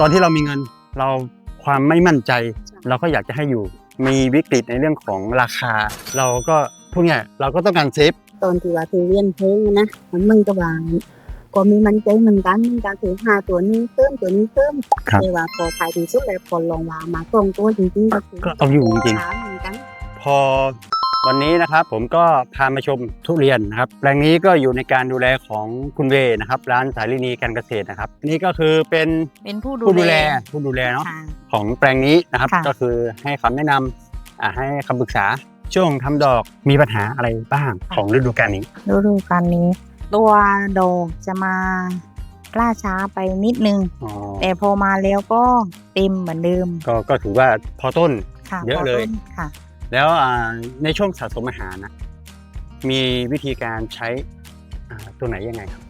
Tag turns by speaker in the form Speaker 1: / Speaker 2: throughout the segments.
Speaker 1: ตอนที่เรามีเงินเราความไม่มั่นใจเราก็อยากจะให้อยู่มีวิกฤตในเรื่องของราคาเราก็พวกเนี้ยเราก็ต้องการเซฟ
Speaker 2: ตอนที่ว่าที่เรียนเพลงนะมันก็ว่าก็มีมันใจเหมือนกันการถือ5ตัวนี้เติมตัวนี้เติมแต่ว่าพอขายดีสุดแล้วพอลองว่ามาตรงตัวจริงๆ
Speaker 1: ก็เอาอยู่จริง
Speaker 2: ๆ
Speaker 1: พอวันนี้นะครับผมก็พามาชมทุเรียนนะครับแปลงนี้ก็อยู่ในการดูแลของคุณเวนะครับร้านสาลินีการเกษตรนะครับนี่ก็คือเป็นผู้ดูแลเนาะของแปลงนี้นะครับก็คือให้คำแนะนำให้คำปรึกษาช่วงทำดอกมีปัญหาอะไรบ้างของฤดูกาลนี้
Speaker 2: ตัวดอกจะมาล่าช้าไปนิดนึงแต่พอมาแล้วก็เต็มเหมือนเดิม
Speaker 1: ก็ถือว่าพอต้นเยอะเลย
Speaker 2: ค่ะ
Speaker 1: แล้วในช่วงสะสมอาหารนะมีวิธีการใช้ตัวไหนยังไงครับ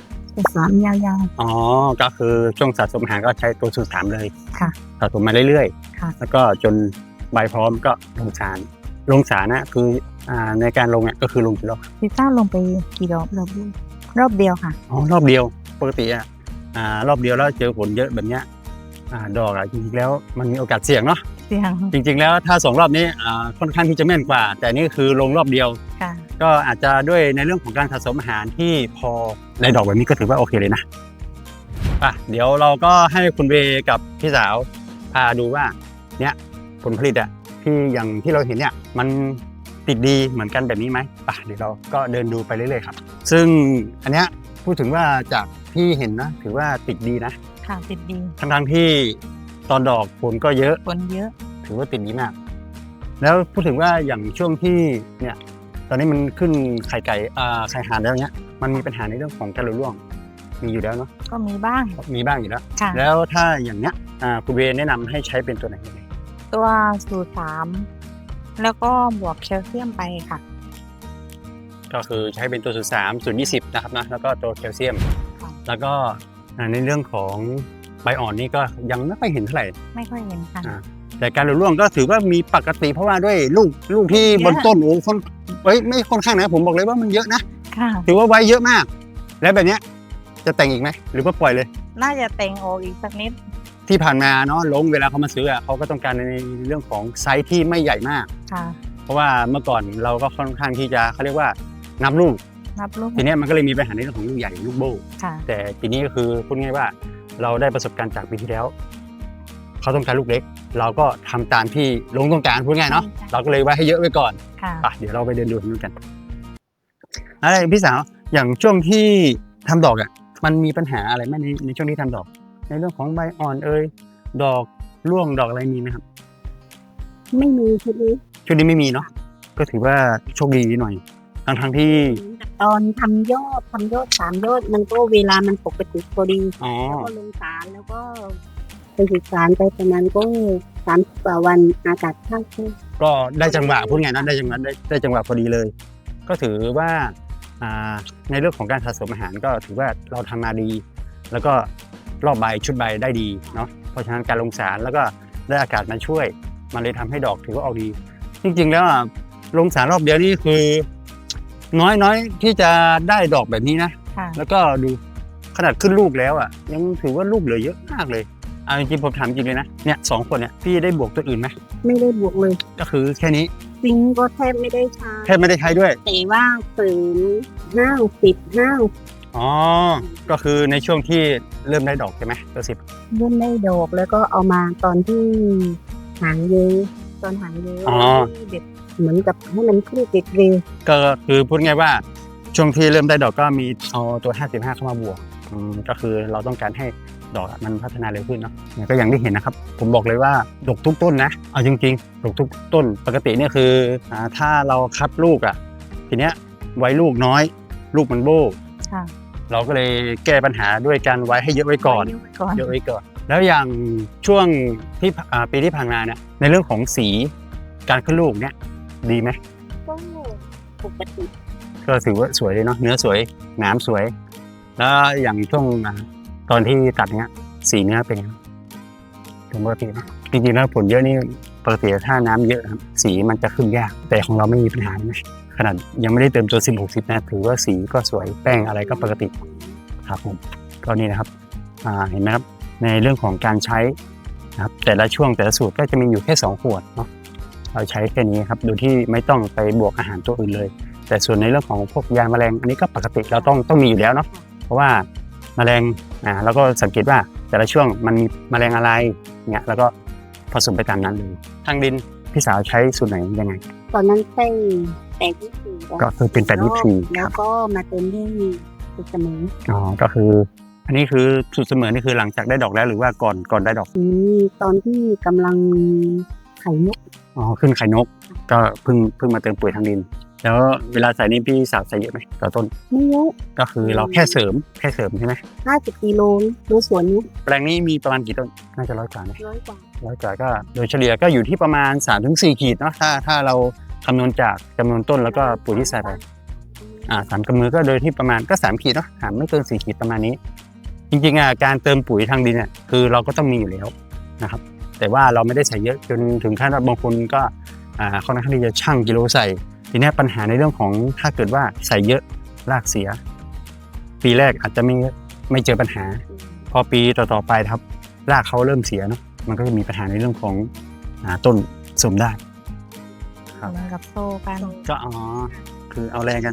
Speaker 2: 3ยาว
Speaker 1: ๆก็คือช่วงสะสมอาหารก็ใช้ตัวสูตร3เลย
Speaker 2: ค่ะ
Speaker 1: สะสมมาเรื่อย
Speaker 2: ๆ
Speaker 1: แล้วก็จนใบพร้อมก็ลงสารนะคือในการลงเนี่ยก็คือลงกี่รอบ
Speaker 2: พี่ต้าลงไปกี่รอบรอบเดียวค่ะ
Speaker 1: รอบเดียวปกติรอบเดียวแล้วเจอผลเยอะแบบเนี้ยดอกจริงๆแล้วมันมีโอกาสเสี่ยงเนาะจริงๆแล้วถ้า2รอบนี้ค่อนข้างที่จะแม่นกว่าแต่นี่คือลงรอบเดียวก็อาจจะด้วยในเรื่องของการสะสมอาหารที่พอได้ดอกแบบนี้ก็ถือว่าโอเคเลยนะเดี๋ยวเราก็ให้คุณเวกับพี่สาวพาดูว่าเนี้ยผลผลิตที่อย่างที่เราเห็นเนี่ยมันติดดีเหมือนกันแบบนี้ไหมเดี๋ยวเราก็เดินดูไปเรื่อยๆครับซึ่งอันเนี้ยพูดถึงว่าจากที่เห็นนะถือว่าติดดีนะ
Speaker 2: ค่ะติดดี
Speaker 1: ทั้งที่ตอนดอกผลก็เยอะถือว่าติดดีมากแล้วพูดถึงว่าอย่างช่วงที่เนี่ยตอนนี้มันขึ้นไข่ไก่ไข่ห่านแล้วเนี้ยมันมีปัญหาในเรื่องของการหลุดร่วงมีอยู่แล้วเนาะ
Speaker 2: ก็มีบ้าง
Speaker 1: อยู่แล้วแล้วถ้าอย่างเนี้ยคุณเวแนะนำให้ใช้เป็นตัวไหน
Speaker 2: ตัวสูตร3แล้วก็บวกแคลเซียมไปค่ะ
Speaker 1: ก็คือใช้เป็นตัวสูตร3สูตร20นะครับนะแล้วก็ตัวแคลเซียมแล้วก็ในเรื่องของใบอ่อนนี่ก็ยังไม่ค่อยเห็นเท่าไหร่
Speaker 2: ไม่ค่อยเห็นค่ะ
Speaker 1: แต่การหลุดร่วงก็ถือว่ามีปกติเพราะว่าด้วยลูกที่บนต้นไม่ค่อนข้างนะผมบอกเลยว่ามันเยอะนะถือว่าไว้เยอะมากแล้วแบบนี้จะแต่งอีกไหมหรือว่าปล่อยเลย
Speaker 2: น่าจะแต่งออกอีกสักนิด
Speaker 1: ที่ผ่านมาเนาะลงเวลาเขามาซื้อเขาก็ต้องการในเรื่องของไซส์ที่ไม่ใหญ่มากเพราะว่าเมื่อก่อนเราก็ค่อนข้างที่จะเขาเรียกว่านับลูกทีนี้มันก็เลยมีปัญหาในเรื่องของลูกใหญ่ลูกโบ้แต่ทีนี้ก็คือพูดง่ายว่าเราได้ประสบการณ์จากปีที่แล้วเขาต้องการลูกเล็กเราก็ทำตามที่ลงต้องการพูดง่ายเนาะเราก็เลยไว้ให้เยอะไว้ก่อนเดี๋ยวเราไปเดินดูนู้นกันพี่สาวอย่างช่วงที่ทำดอกมันมีปัญหาอะไรไหมในช่วงที่ทำดอกในเรื่องของใบอ่อนดอกร่วงดอกอะไรมีไหมครับ
Speaker 2: ไม่มีชุด
Speaker 1: นี้ไม่มีเนาะก็ถือว่าโชคดีหน่อยทั้งที่
Speaker 2: ตอนทำยอด3ยอดมันก็เวลามันปกติพอดีแล้วก็ลงสารแล้วก็ไปศึกษาไปประมาณก็30 กว่าวันอากาศเข้า
Speaker 1: ก็ได้จังหวะพูดไงนะได้จังหวะพอดีเลยก็ถือว่าในเรื่องของการสะสมอาหารก็ถือว่าเราทำมาดีแล้วก็รอบใบชุดใบได้ดีเนาะเพราะฉะนั้นการลงสารแล้วก็ได้อากาศมาช่วยมันเลยทำให้ดอกถือว่าออกดีจริงๆแล้วลงสารรอบเดียวนี่คือน้อยที่จะได้ดอกแบบนี้นะแล้วก็ดูขนาดขึ้นลูกแล้วยังถือว่าลูกเหลือเยอะมากเลยจริงๆผมถามจริงเลยนะเนี่ย2 คนเนี่ยพี่ได้บวกตัวอื่นไหม
Speaker 2: ไม่ได้บวกเลย
Speaker 1: ก็คือแค่นี้
Speaker 2: ซิงก็แทบไม่ได้ใช้
Speaker 1: ด้วย
Speaker 2: แต่ว่าเสริม50
Speaker 1: ก็คือในช่วงที่เริ่มได้ดอกใช่ไหมตัว
Speaker 2: 10เริ่มได้ดอกแล้วก็เอามาตอนที่หางเยอะตอนหางเยอะเด็ดเหมือนกับให้มันขึ้นติดเร็ว
Speaker 1: ก็คือพูดง่ายว่าช่วงที่เริ่มได้ดอกก็มีเอาตัว55เข้ามาบวกก็คือเราต้องการให้ดอกมันพัฒนาเร็วขึ้นเนาะก็อย่างที่เห็นนะครับผมบอกเลยว่าดกทุกต้นนะเอาจริงๆดกทุกต้นปกติเนี่ยคือถ้าเราคัดลูกทีเนี้ยไว้ลูกน้อยลูกมันโบ้เราก็เลยแก้ปัญหาด้วยการไว้ให้เยอะไว้ก่อนแล้วอย่างช่วงที่ปีที่ผ่านมาเนี่ยในเรื่องของสีการขึ้นลูกเนี่ยดีไหม
Speaker 2: ก็ปกติ
Speaker 1: ก็ถือว่าสวยเลยเนาะเนื้อสวยหนามสวยแล้วอย่างช่วงตอนที่ตัดเนี้ยสีเนื้อเป็นปกตินะจริงๆแล้วผลเยอะนี่ปกติถ้าน้ำเยอะครับสีมันจะขึ้นยากแต่ของเราไม่มีปัญหานะขนาดยังไม่ได้เติมตัว10-60นะถือว่าสีก็สวยแป้งอะไรก็ปกติครับผมก็นี่นะครับเห็นไหมครับในเรื่องของการใช้นะครับแต่ละช่วงแต่ละสูตรก็จะมีอยู่แค่2ขวดเนาะเราใช้แค่นี้ครับโดยที่ไม่ต้องไปบวกอาหารตัวอื่นเลยแต่ส่วนในเรื่องของพวกยาแมลงอันนี้ก็ปกติเราต้องมีอยู่แล้วเนาะเพราะว่าแมลงเราก็สังเกตว่าแต่ละช่วงมันมีแมลงอะไรเนี่ยแล้วก็ผสมไปตามนั้นเลยทางดินพี่สาวใช้สูตรไหนยังไง
Speaker 2: ตอนนั้นใช้8-24
Speaker 1: ก็คือเป็น8-24
Speaker 2: แล้วก็มาเติมด้วยสูตรเสมอ
Speaker 1: ก็คืออันนี้คือสูตรเสมอนี่คือหลังจากได้ดอกแล้วหรือว่าก่อนได้ดอก
Speaker 2: ตอนที่กำลังไข่นก
Speaker 1: ขึ้นไข่นกก็เพิ่งมาเติมปุ๋ยทางดินแล้วเวลาใส่นี่พี่สาวใส่เยอะไหมต่อต้น
Speaker 2: ไม่เยอะ
Speaker 1: ก็คือเราแค่เสริมใช่ไหม
Speaker 2: 50 กิโลดูสวนนี้
Speaker 1: แปลงนี้มีประมาณกี่ต้นน่าจะ100 กว่านะ
Speaker 2: 100 กว่า
Speaker 1: ก็โดยเฉลี่ยก็อยู่ที่ประมาณ 3-4 ขีดเนาะถ้าเราคำนวณจากจำนวนต้นแล้วก็ปุ๋ยที่ใส่ไป3 กำมือก็โดยที่ประมาณก็3 ขีดเนาะไม่เกิน4 ขีดประมาณนี้จริงๆการเติมปุ๋ยทางดินเนี่ยคือเราก็ต้องมีอยู่แล้วนะครับแต่ว่าเราไม่ได้ใส่เยอะจนถึงขั้นว่าบางคนก็ค่อนข้างที่จะชั่งกิโลใส่ทีนี้ปัญหาในเรื่องของถ้าเกิดว่าใส่เยอะรากเสียปีแรกอาจจะไม่เจอปัญหาพอปีต่อๆไปครับรากเขาเริ่มเสียเนาะมันก็จะมีปัญหาในเรื่องของต้นสมได้
Speaker 3: ครับกับโซ่กัน
Speaker 1: ก็คือเอาแรงกัน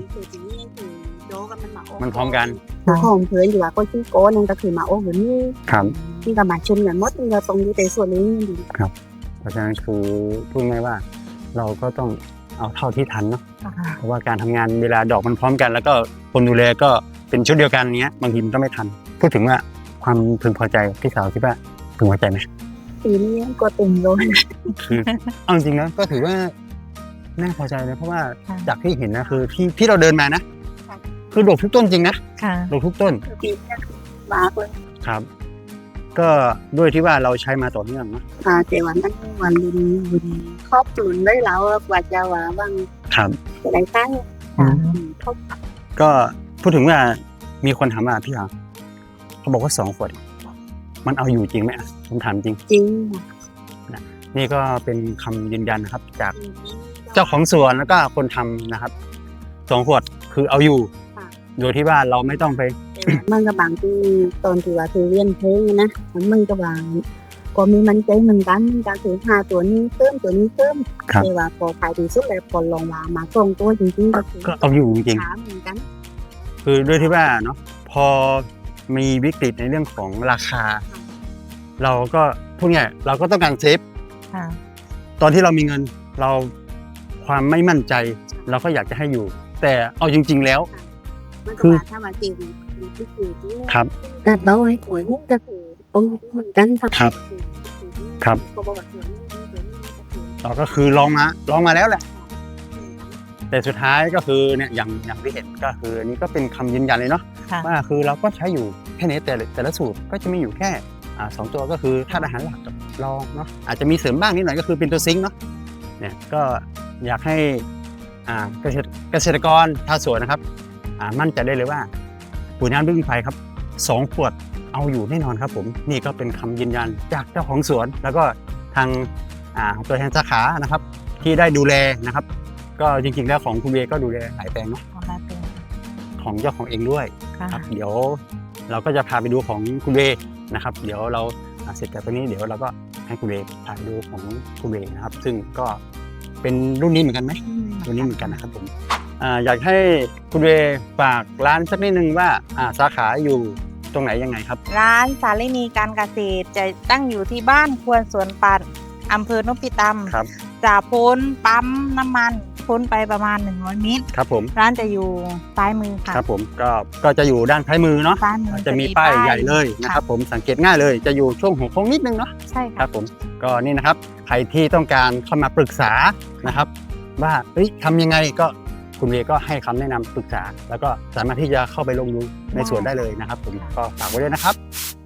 Speaker 1: มันพร้อมกัน
Speaker 2: ของเพื่อนอยู่ว่าก็ชื่อโก้นั่นก็คือมาโอ้เหมือนนี่
Speaker 1: ครับ
Speaker 2: ที่กับมาชมเนี่ยมดเราตรงนี้แต่ส่วนนี้ดี
Speaker 1: ครับเพราะฉะนั้นคือพูดง่ายว่าเราก็ต้องเอาเท่าที่ทันเนาะเพราะว่าการทำงานเวลาดอกมันพร้อมกันแล้วก็คนดูแลก็เป็นชุดเดียวกันเนี้ยบางทีมันก็ไม่ทันพูดถึงว่าความพึงพอใจพี่สาวคิดว่าพึงพอใจไหม
Speaker 2: ปีนี้ก็ตุ่มเลย
Speaker 1: คือเอาจริงนะก็ถือว่าน่าพอใจเลยเพราะว่าจากที่เห็นนะคือที่เราเดินมานะคือดกทุกต้นจริงนะดกทุกต้น
Speaker 2: ปีนี้มากเลย
Speaker 1: ครับก็ด้วยที่ว่าเราใช้มาต่อเนื่องเนาะ
Speaker 2: แต่วันนั้นวันดินครอบคลุมได้แล้วกว่าจะว่าบ้าง
Speaker 1: ครับ
Speaker 2: อะไรตั้ง
Speaker 1: ก็พูดถึงว่ามีคนถามมาพี่เขาบอกว่า2 ขวดมันเอาอยู่จริงไหมผมถามจริงนี่ก็เป็นคำยืนยันนะครับจากเจ้าของสวนแล้วก็คนทำนะครับ2 ขวดคือเอาอยู่โดยที่ว่าเราไม่ต้องไป
Speaker 2: มันก็บางที่ตอนที่ว่าคือเรียนเพลงนะมันก็บางก็มีมันใจเหมือนกันการถือ5 ตัวนี้เติมตัวนี้เติมแต่ว่าพอขายดีสุดแล้วพอลงมาตรงตัวจริงๆ
Speaker 1: ก็เอาอยู่จริงๆคือด้วยที่ว่าเนาะพอมีวิกฤตในเรื่องของราคาเราก็พูดง่ายเราก็ต้องการเซฟตอนที่เรามีเงินเราความไม่มั่นใจเราก็อยากจะให้อยู่แต่เอาจริงๆแล้ว
Speaker 2: คือถ้ามาจริง
Speaker 1: ครับ
Speaker 2: แต่เราให้หวยก็คือเหมือนกัน
Speaker 1: ครับเราก็คือลองมาแล้วแหละแต่สุดท้ายก็คือเนี่ยอย่างที่เห็นก็คืออันนี้ก็เป็นคำยืนยันเลยเนาะว่าคือเราก็ใช้อยู่แค่นี้แต่ละสูตรก็จะมีอยู่แค่2 ตัวก็คือธาตุอาหารหลักลองเนาะอาจจะมีเสริมบ้างนิดหน่อยก็คือเป็นตัวซิงค์เนาะเนี่ยก็อยากให้เกษตรกรชาวสวนนะครับมั่นใจได้เลยว่าปุ๋ยน้ำพึ่งไฟครับ2 ขวดเอาอยู่แน่นอนครับผมนี่ก็เป็นคำยืนยันจากเจ้าของสวนแล้วก็ทางตัวแทนสาขานะครับที่ได้ดูแลนะครับก็จริงๆแล้วของคุณเวก็ดูแลหลายแปลงเนาะของเจ้าของเองด้วยครับเดี๋ยวเราก็จะพาไปดูของคุณเวนะครับเดี๋ยวเราเสร็จจากตรงนี้เดี๋ยวเราก็ให้คุณเวพาไปดูของคุณเวนะครับซึ่งก็เป็นรุ่นนี้เหมือนกันไหมรุ่นนี้เหมือนกันนะครับผมอยากให้คุณเวฝากร้านสักนิดนึงว่าสาขาอยู่ตรงไหนยังไงครับ
Speaker 3: ร้านสาลินีการเกษตรจะตั้งอยู่ที่บ้านควนสวนปัดอำเภอนพิตำจากพ้นปั๊มน้ำมันพ้นไปประมาณ100 เมตร
Speaker 1: ครับผม
Speaker 3: ร้านจะอยู่ซ้ายมือค่ะ
Speaker 1: ครับผมก็จะอยู่ด้านซ้ายมือเนาะจะมีป้ายใหญ่เลยนะครับผมสังเกตง่ายเลยจะอยู่ช่วงหัวโค้งนิดนึงเนาะ
Speaker 3: ใช่
Speaker 1: ครับผมก็นี่นะครับใครที่ต้องการเข้ามาปรึกษานะครับว่าทำยังไงก็คุณเวก็ให้คำแนะนำปรึกษาแล้วก็สามารถที่จะเข้าไปลงดูในสวนได้เลยนะครับผมก็ฝากไว้ด้วยนะครับ